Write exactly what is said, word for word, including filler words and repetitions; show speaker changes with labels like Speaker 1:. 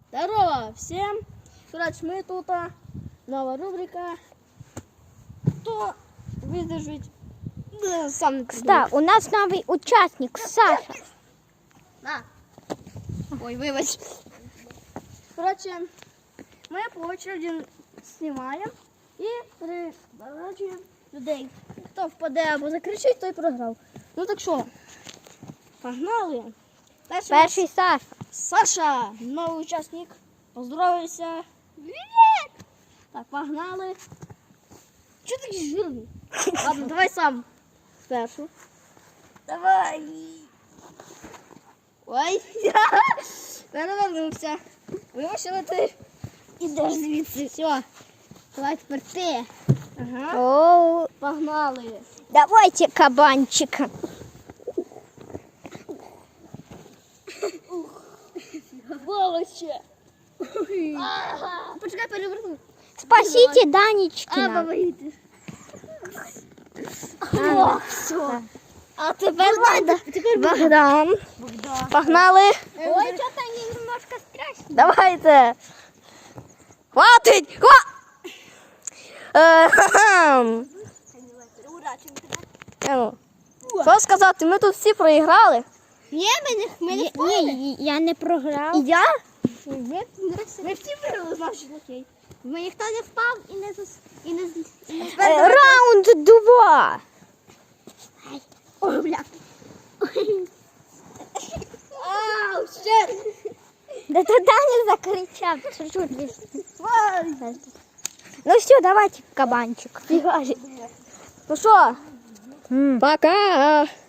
Speaker 1: Здорово всем! Короче, мы тут, новая рубрика. Кто выдержит, да, сам не
Speaker 2: Кстати, у нас новый участник, Саша.
Speaker 1: На. Ой, выбач. Короче, мы по очереди снимаем и приворачиваем людей. Хто впаде або закричить, той програв. Ну так що, погнали. Перший,
Speaker 2: Перший Саша.
Speaker 1: Саша, новий учасник. Поздоровайся. Привет! Так, погнали. Чого такий жирний? Ладно, давай сам. Спершу. Давай. Ой, перевернувся. Вимушили ти. Ідеш звідси. Все. Давай тепер ти. Ага.
Speaker 2: О,
Speaker 1: Погнали.
Speaker 2: давайте кабанчика.
Speaker 1: Волоче. Ага. Почекай, переверну.
Speaker 2: Спасите
Speaker 1: А,
Speaker 2: Данечкина.
Speaker 1: помогите.
Speaker 2: А,
Speaker 1: О, все. А теперь надо. Теперь
Speaker 2: Богдан.
Speaker 1: Богдан.
Speaker 2: Погнали.
Speaker 1: Ой, что-то они немножко страшно.
Speaker 2: Давайте. Хватить. Хва... Е, ха-ха. Е, ну. Що сказати, ми тут всі проіграли.
Speaker 1: Ні, ми не, ми не впали.
Speaker 2: Ні, я не програв.
Speaker 1: І я? Ні, ми всі виграли, значить, окей. Ми ніхто не впав і не зас... і не, з- і не
Speaker 2: Е, Раунд два.
Speaker 1: Ой, бля. Ау, ще.
Speaker 2: Да ти Даня закричав. Чуть-чуть.
Speaker 1: Ой.
Speaker 2: Ну все, давайте кабанчик. Ну що?
Speaker 1: Пока.